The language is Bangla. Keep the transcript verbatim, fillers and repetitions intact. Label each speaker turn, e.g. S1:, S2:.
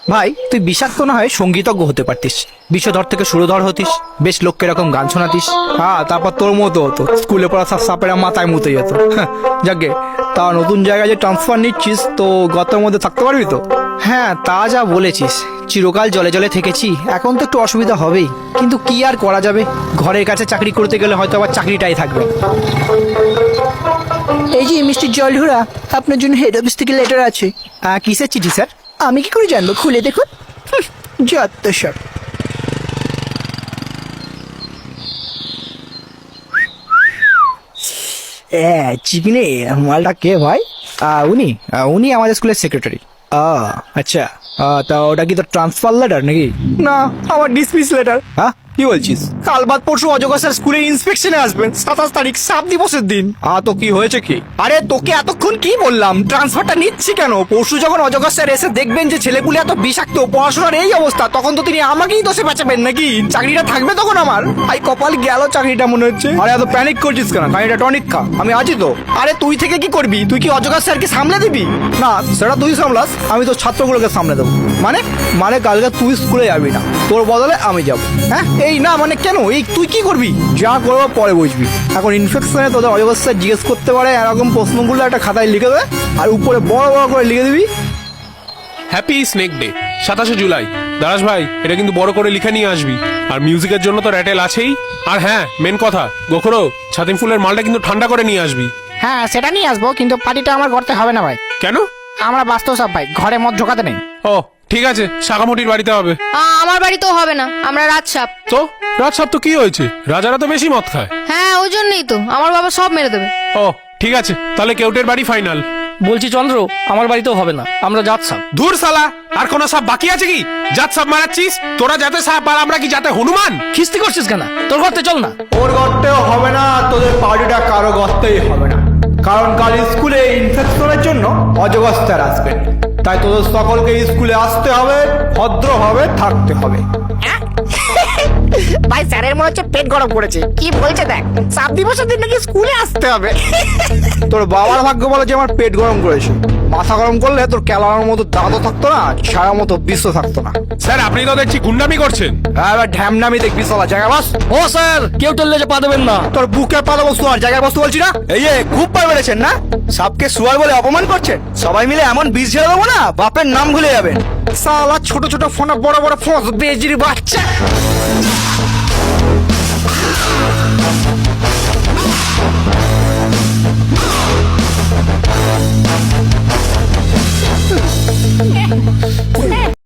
S1: ভাই তুই বিষাক্ত না হয় সঙ্গীতজ্ঞ হতে পারতিস, বিষধর থেকে সুরধর হতিস, বেশ লোককে এরকম গান শোনাতিস। হ্যাঁ, তারপর তোর মতো হতো, স্কুলে পড়া সব সাপেরা মাথায় মুতে যেত। যাকে তা নতুন জায়গায় যে ট্রান্সফার নিচ্ছিস তো গতের মধ্যে থাকতে পারবি তো? হ্যাঁ তা যা বলেছিস, চিরকাল জলে জলে থেকেছি, এখন তো একটু অসুবিধা হবেই, কিন্তু কি আর করা যাবে, ঘরের কাছে চাকরি করতে গেলে হয়তো আবার চাকরিটাই থাকবে।
S2: এই যে মিস্টার জলহুরা, আপনার জন্য হেড অফিস থেকে লেটার আছে।
S1: আহ, কিসের চিঠি স্যার?
S2: আমি কি করে জানবো, খুলে দেখুন। হুঁ, যত সব।
S1: হ্যাঁ চিকনে মালটা কে ভাই? আহ, উনি আহ, উনি আমাদের স্কুলের সেক্রেটারি। আহ আচ্ছা, আহ, তা ওটা কি তোর ট্রান্সফার লেটার নাকি? না, আমার ডিসমিস লেটার। হ্যাঁ কি বলছিস? কাল বাদ পরশু অজগর স্যার স্কুলের ইন্সপেকশনে আসবেন, সাতাশ তারিখ সাত দিবসের দিন। আ তো কি হয়েছে কি? আরে তোকে এতক্ষণ কি বললাম, ট্রান্সফারটা নিচ্ছি কেন? পরশু যখন অজগর স্যার এসে দেখবেন যে ছেলেপুলে এত বিষাক্ত, পড়াশোনার এই অবস্থা, তখন তো তিনি আমাকেই দোষে বাঁচাবেন নাকি? চাকরিটা থাকবে তখন আমার? আই কপাল গেল চাকরিটা মনে হচ্ছে। আরে এত প্যানিক করছিস কেন? চাকরিটা টনিক খা, আমি আছি তো। আরে তুই থেকে কি করবি? তুই কি অজগর স্যারকে সামলে দিবি? না সেটা তুই সামলাস, আমি তো ছাত্রগুলোকে সামলে দেবো। মানে মানে কালকে তুই স্কুলে যাবি না, তোর বদলে আমি যাব। হ্যাঁ এই না মানে কেন? এই তুই কি করবি? যা করবো পরে বুঝবি। এখন ইনফেকশনে তোদের অজগর স্যার জিজ্ঞেস করতে পারে, এরকম প্রশ্নগুলো একটা খাতায় লিখে দেবে, আর উপরে বড় বড় করে লিখে দিবি
S3: হ্যাপি স্নেক ডে সাতাশে জুলাই। দারাস ভাই, এটা কিন্তু বড় করে লিখে নিয়ে আসবি। আর মিউজিকের জন্য তো র্যাটেল আছেই। আর হ্যাঁ, মেন কথা, গোখরো ছাতিম ফুলের মালটা কিন্তু ঠান্ডা করে নিয়ে আসবি।
S2: হ্যাঁ সেটা নিয়ে আসবো, কিন্তু পার্টিটা আমার করতে হবে না ভাই।
S3: কেন?
S2: আমরা বাস্তব সব ভাই, ঘরে মদ ঢোকাতে নেই।
S3: ও ঠিক আছে, শাখামুটির বাড়িতে হবে।
S4: আ, আমার বাড়িতেও হবে না, আমরা রাজসাপ।
S3: তো রাত সাপ তো কি হয়েছে? রাজারা তো বেশি মদ খায়।
S4: হ্যাঁ ওই জন্যই তো আমার বাবা সব মেরে দেবে।
S3: ও ঠিক আছে, তাহলে কেউটের বাড়ি ফাইনাল।
S5: বলছি চন্দ্র, আমার বাড়িতেও হবে না, আমরা যাচ্ছাম।
S3: ধুর সালা, আর কোন সাপ বাকি আছে কি? জাত সাপ মারাচ্ছিস? তোরা যাতে সাপ আর আমরা কি যাতে হনুমান?
S5: খিস্তি করছিস কেন? তোর ঘরতে চল না।
S1: ওর গর্তেও হবে না, তোদের পার্টিটা কারো গর্তেই হবে না, কারণ কাল স্কুলে ইনফেকশনের জন্য অজগর স্যার আসবেন। তাই তোদের সকলকে স্কুলে আসতে হবে, ভদ্রভাবে থাকতে হবে।
S2: ভাই স্যারের মনে হচ্ছে পেট গরম করেছে, কি বলছে দেখ, সাত দিবসের দিন নাকি স্কুলে আসতে হবে।
S1: তোর বাবার ভাগ্য বলে যে আমার পেট গরম করেছে, মাথা গরম করলে তোর ক্যালানোর মতো দাঁতও থাকতো না, ছাড়ার মতো বিশ্ব থাকতো না।
S3: স্যার আপনি তো দেখছি গুন্ডামি করছেন।
S1: এবার ঢ্যামনামি দেখবি সালা, জায়গা বস।
S5: ও স্যার, কেউ টললে যে পা দেবেন না।
S1: তোর বুকে পা দেবো, শোয়ার জায়গায় বসতে বলছি না।
S6: এই যে খুব পার বেড়েছেন না, সাপকে শুয়ার বলে অপমান করছেন। সবাই মিলে এমন বীজ ঝেড়ে দেবো না, বাপের নাম ভুলে যাবেন।
S1: সালা ছোট ছোট ফোনে বড় বড় ফোঁস বেজির বাচ্চা।